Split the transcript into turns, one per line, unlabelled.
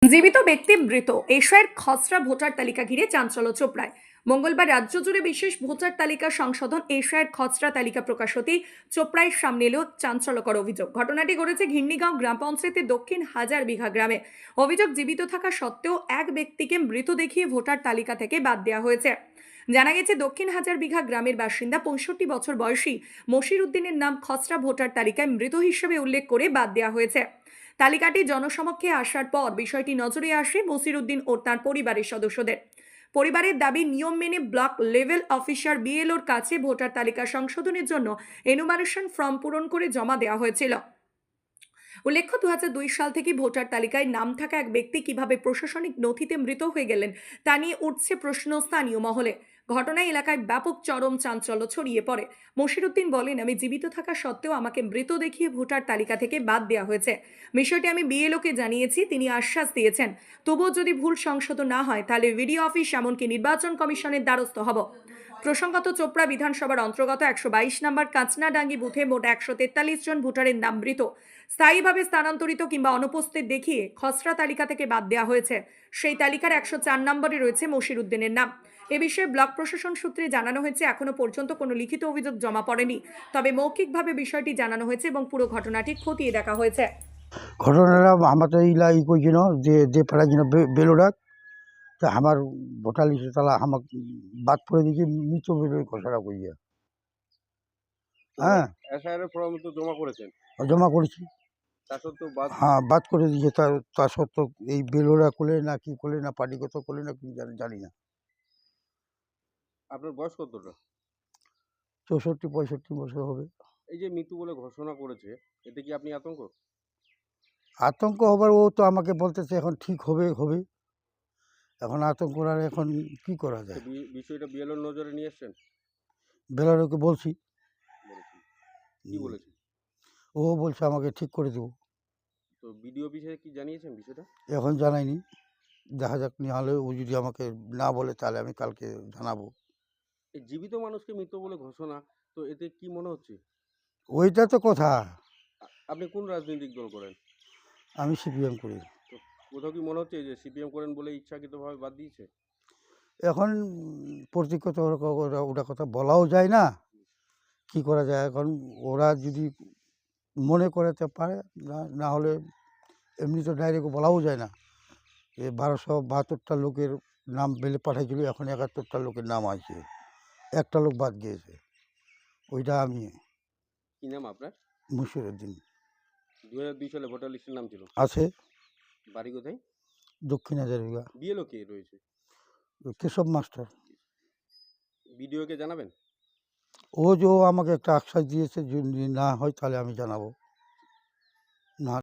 জীবিত ব্যক্তি মৃত এশিয়ার খসড়া ভোটার তালিকা ঘিরে চাঞ্চল্য চোপড়ায়। মঙ্গলবার রাজ্য জুড়ে বিশেষ ভোটার তালিকা সংশোধন এশিয়ার খসড়া তালিকা প্রকাশ হতেই চোপড়ায় সামনে এলো চাঞ্চল্যকর অভিযোগ। ঘটনাটি ঘটেছে ঘিন্নিগাঁও গ্রাম পঞ্চায়েতের দক্ষিণ হাজার বিঘা গ্রামে। অভিযোগ, জীবিত থাকা সত্ত্বেও এক ব্যক্তিকে মৃত দেখিয়ে ভোটার তালিকা থেকে বাদ দেওয়া হয়েছে। জানা গেছে, দক্ষিণ হাজার বিঘা গ্রামের বাসিন্দা ৬৫ বছর বয়সী মশির উদ্দিনের নাম খসড়া ভোটার তালিকায় মৃত হিসেবে উল্লেখ করে বাদ দেওয়া হয়েছে। তালিকাটি জনসমক্ষে আসার পর বিষয়টি নজরে আসে মসির উদ্দিন ও তার পরিবারের সদস্যদের। পরিবারের দাবি, নিয়ম মেনে ব্লক লেভেল অফিসার বিএলওর কাছে ভোটার তালিকা সংশোধনের জন্য এনুমারেশন ফর্ম পূরণ করে জমা দেওয়া হয়েছিল। উল্লেখ্য, ২০০২ সাল থেকে ভোটার তালিকায় নাম থাকা এক ব্যক্তি কিভাবে প্রশাসনিক নথিতে মৃত হয়ে গেলেন তা নিয়ে উঠছে প্রশ্ন স্থানীয় মহলে। ঘটনায় এলাকায় ব্যাপক চরম চাঞ্চল্য ছড়িয়ে পড়ে। মশির উদ্দিন বলেন, আমি জীবিত থাকা সত্ত্বেও আমাকে মৃত দেখিয়ে ভোটার তালিকা থেকে বাদ দেওয়া হয়েছে। বিষয়টি আমি বিএলওকে জানিয়েছি, তিনি আশ্বাস দিয়েছেন তবুও যদি ভুল সংশোধন না হয় তাহলে ভিডিও অফিস এমনকি নির্বাচন কমিশনের দ্বারস্থ হব। প্রসঙ্গত, চোপড়া বিধানসভার অন্তর্গত ১২২ নম্বর কাঁচনাডাঙ্গি বুথে মোট ১৪৩ জন ভোটারের নাম মৃত, স্থায়ীভাবে স্থানান্তরিত কিংবা অনুপস্থিত দেখিয়ে খসড়া তালিকা থেকে বাদ দেওয়া হয়েছে। সেই তালিকার ১০৪ নম্বরে রয়েছে মশির উদ্দিনের নাম। এ বিষয়ে ব্লক প্রশাসন সূত্রে জানানো হয়েছে, এখনো পর্যন্ত কোনো লিখিত অভিযোগ জমা পড়েনি, তবে মৌখিকভাবে বিষয়টি জানানো হয়েছে এবং পুরো ঘটনাটি খতিয়ে দেখা হয়েছে।
ঘটনাটা আমাদের ইলা ই কইছিল যে ফেলার জন্য বেলোডাক তা আমার ভোটার লিস্টে তারা আমাকে বাদ করে দিয়েছে মৃত বেলোর ঘোষণা করিয়া। হ্যাঁ,
এসআইআর ফর্ম তো জমা করেছেন,
জমা করেছি।
তা সত্ত্বেও বাদ।
হ্যাঁ, বাদ করে দিয়েছে। তা সত্ত্বেও এই বেলোরা করলে না কি করলে না পার্টিগত করলে না কি জানি না।
আপনার বয়স কতটা?
৬৪-৬৫ বছর হবে।
এই যে মৃত্যু বলে ঘোষণা করেছে, এতে কি আপনি আতঙ্ক?
আতঙ্ক হবার, ও তো আমাকে বলতেছে এখন ঠিক হবে হবে। এখন আতঙ্ক আর এখন কি করা যায়।
বিষয়টা বিএলওর নজরে নিয়ে এসছেন?
বেলোরকে বলছি।
বলেছেন কি বলেছেন?
ও বলছে আমাকে ঠিক করে দেবো।
তো বিডিও অফিসে কি জানিয়েছেন বিষয়টা?
এখন জানাইনি, দেখা যাক। নাহলে ও যদি আমাকে না বলে তাহলে আমি কালকে জানাবো।
এই জীবিত মানুষকে মৃত বলে ঘোষণা, তো এতে কি মনে হচ্ছে?
ওইটা তো কথা।
আপনি কোন রাজনৈতিক দল করেন?
আমি সিপিএম করি।
তো কোথাও কি মনে হচ্ছে যে সিপিএম করেন বলে ইচ্ছাকৃতভাবে বাদ দিয়েছে?
এখন প্রতীকগত ওটা কথা বলাও যায় না, কি করা যায়। এখন ওরা যদি মনে করে তো পারে, না হলে এমনি তো ডাইরেক্ট বলাও যায় না। ১২৭২টা লোকের নাম বেলে পাঠাইছিল, এখন ৭১টা লোকের নাম আছে, একটা লোক বাদ গিয়েছে, ওইটা আমি।
কি নাম আপনার?
মশির উদ্দিন।
২০০২ সালে ভোটার লিস্টের নাম ছিল?
আছে।
বাড়ি কোথায়?
দক্ষিণ হাজারিগা।
বিএলও কে রয়েছে?
কেশব মাস্টার।
বিডিওকে জানাবেন?
ও যে আমাকে একটা আশ্বাস দিয়েছে, যদি না হয় তাহলে আমি জানাবো।